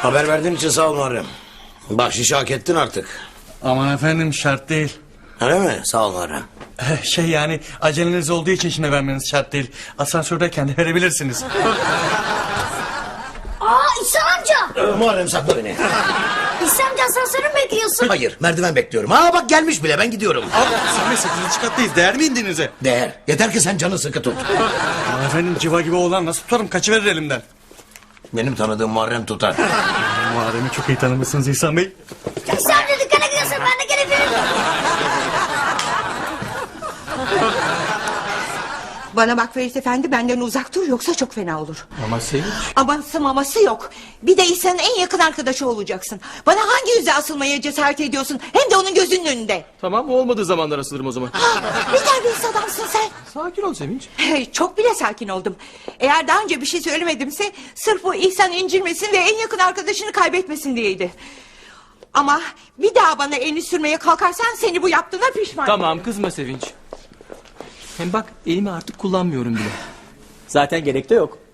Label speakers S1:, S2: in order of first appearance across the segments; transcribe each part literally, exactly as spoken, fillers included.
S1: Haber verdiğin için sağ ol Muharrem. Bahşişi hak ettin artık.
S2: Aman efendim, şart değil.
S1: Öyle mi? Sağ ol Muharrem.
S2: Şey yani aceleniz olduğu için şimdi vermeniz şart değil. Asansördeyken de verebilirsiniz.
S3: Aa İhsan amca.
S1: Ee, Muharrem sakla beni.
S3: İhsan amca asansörü mü bekliyorsun?
S1: Hayır, merdiven bekliyorum. Aa bak gelmiş bile, ben gidiyorum.
S2: Abi sekizinci kattayız, değer mi indinize?
S1: Değer. Yeter ki sen canı sıkı tut.
S2: Aman efendim, civa gibi oğlan nasıl tutarım, kaçıverir elimden.
S1: Benim tanıdığım Muharrem tutar.
S2: Muharrem'i çok iyi tanımışsınız İhsan Bey.
S3: İhsan amca dükkana gidiyorsun, ben de gelebilirim.
S4: Bana bak Ferit Efendi, benden uzak dur yoksa çok fena olur.
S2: Ama Sevinç.
S4: Aması maması yok. Bir de İhsan'ın en yakın arkadaşı olacaksın. Bana hangi yüzle asılmaya cesaret ediyorsun? Hem de onun gözünün önünde.
S5: Tamam, olmadığı zamanlar asılırım o zaman.
S4: Ha, ne terbiyesiz adamsın sen.
S5: Sakin ol Sevinç.
S4: Hey, çok bile sakin oldum. Eğer daha önce bir şey söylemedimse sırf bu İhsan incilmesin ve en yakın arkadaşını kaybetmesin diyeydi. Ama bir daha bana elini sürmeye kalkarsan seni bu yaptığına pişman
S5: Tamam,
S4: ederim.
S5: kızma Sevinç. Hem bak, elimi artık kullanmıyorum bile. Zaten gerek de yok.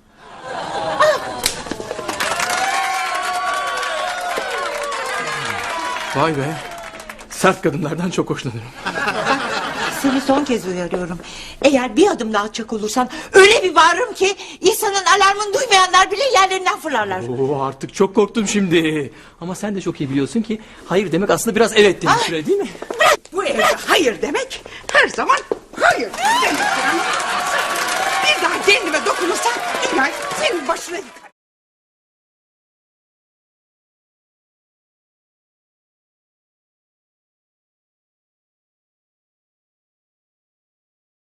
S5: Vay be. Sert kadınlardan çok hoşlanırım.
S4: Seni son kez uyarıyorum. Eğer bir adım daha atacak olursan öyle bir bağırırım ki İhsan'ın alarmını duymayanlar bile yerlerinden fırlarlar.
S5: Oo, artık çok korktum şimdi. Ama sen de çok iyi biliyorsun ki hayır demek aslında biraz evet demek süre, değil mi?
S4: Bırak, bu evde hayır demek her zaman hayır demek. Bir daha kendime dokunursan inan senin başına yıkarım.